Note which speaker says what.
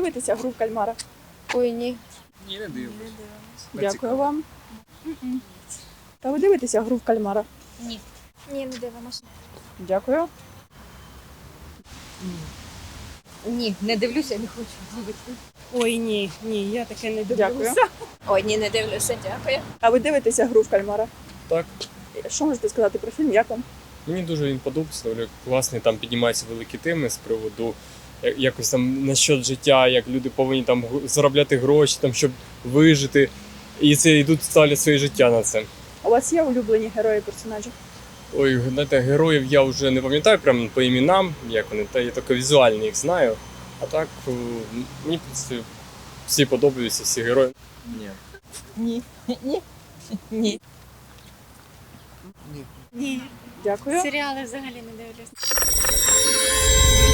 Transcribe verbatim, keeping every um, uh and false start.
Speaker 1: дивитеся гру в кальмара?
Speaker 2: Ой, ні.
Speaker 3: Ні, не дивлюсь.
Speaker 1: Дякую вам. Та ви дивитеся гру в кальмара?
Speaker 2: Ні. Ні, не дивимося.
Speaker 1: Дякую.
Speaker 2: Ні, не дивлюся, не хочу дивитися.
Speaker 4: Ой, ні, ні, я таке не
Speaker 1: Дякую.
Speaker 4: дивлюся.
Speaker 2: Ой, ні, не дивлюся, дякую.
Speaker 1: А ви дивитеся гру в кальмара?
Speaker 3: Так.
Speaker 1: Що можете сказати про фільм? Як вам?
Speaker 3: Мені дуже він подобається, доволі класний, там піднімаються великі теми з приводу я- якось там насчет життя, як люди повинні там г- заробляти гроші, там, щоб вижити. І це йдуть, ставлять своє життя на це.
Speaker 1: У вас є улюблені герої персонажі?
Speaker 3: Ой, знаєте, героїв я вже не пам'ятаю прямо по іменам, як вони, та я тільки візуально їх знаю. А так, е, мені в принципі, всі подобаються, всі герої. Ні.
Speaker 2: Ні. Ні. Ні.
Speaker 4: Ні.
Speaker 1: Дякую.
Speaker 4: Серіали взагалі не дивлюся.